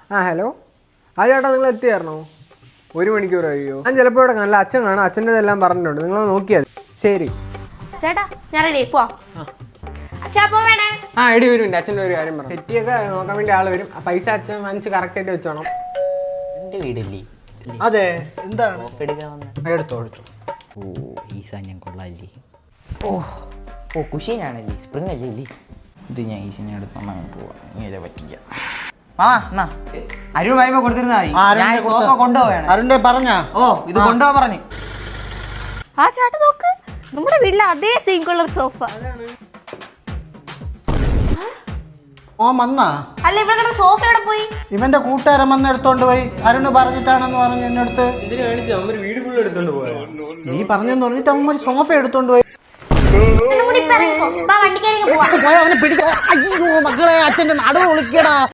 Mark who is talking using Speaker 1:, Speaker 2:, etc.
Speaker 1: ആ ഹലോ. ആ ചേട്ടാ നിങ്ങൾ എത്തിയായിരുന്നോ? 1 മണിക്കൂർ കഴിയുമോ? ഞാൻ ചിലപ്പോൾ ഇവിടെ നല്ല അച്ഛൻ കാണാം, അച്ഛൻ്റെ ഇതെല്ലാം പറഞ്ഞിട്ടുണ്ട്, നിങ്ങൾ നോക്കിയാൽ ശരി.
Speaker 2: ചേട്ടാ ഞാൻ റെഡി പോവാ.
Speaker 1: ആ എടി വരും, അച്ഛൻ്റെ ഒരു കാര്യം പറഞ്ഞു. സെറ്റിയൊക്കെ നോക്കാൻ വേണ്ടി ആൾ വരും. പൈസ അച്ഛൻ വാങ്ങിച്ച് കറക്റ്റായിട്ട് വെച്ചോണം.
Speaker 3: എൻ്റെ വീടല്ലേ?
Speaker 1: അതെ, എന്താണ്
Speaker 3: എടുത്തോ. ഓ ഈ സാധനം കൊള്ളാല്ലേ. ഓ കുഷീനാണല്ലേ, സ്പ്രിങ് അല്ലേ ഇല്ലേ? ഇത് ഞാൻ ഈശാനെ എടുത്ത് പോവാം, ഇങ്ങനെ പറ്റിക്കാം. എന്നാ അരുൺ വായ്പ കൊടുത്തിരുന്നാ മതി. സോഫ കൊണ്ടുപോവാണ്.
Speaker 4: അരുണിന്റെ പറഞ്ഞ
Speaker 3: ഇത് കൊണ്ടുപോകാൻ പറഞ്ഞു.
Speaker 2: ആ ചേട്ടാ നോക്ക്, നമ്മുടെ വീട്ടിലെ അതേ സെയിം കളർ സോഫ.
Speaker 4: വന്നാ
Speaker 2: അല്ല ഇവിടെ സോഫ എവിടെ പോയി?
Speaker 4: ഇവന്റെ കൂട്ടുകാരൻ വന്ന് എടുത്തോണ്ട് പോയി. അരുണ് പറഞ്ഞിട്ടാണെന്ന് പറഞ്ഞു എന്റെ അടുത്ത്. നീ പറഞ്ഞെന്ന് പറഞ്ഞിട്ട് അവൻ ഒരു സോഫ എടുത്തോണ്ട് പോയി.
Speaker 2: വണ്ടിക്കാരി പോവാ.
Speaker 4: അവനെ പിടിക്കാ. അയ്യോ മക്കളെ, അച്ഛന്റെ നടുവ് വിളിക്കടാ.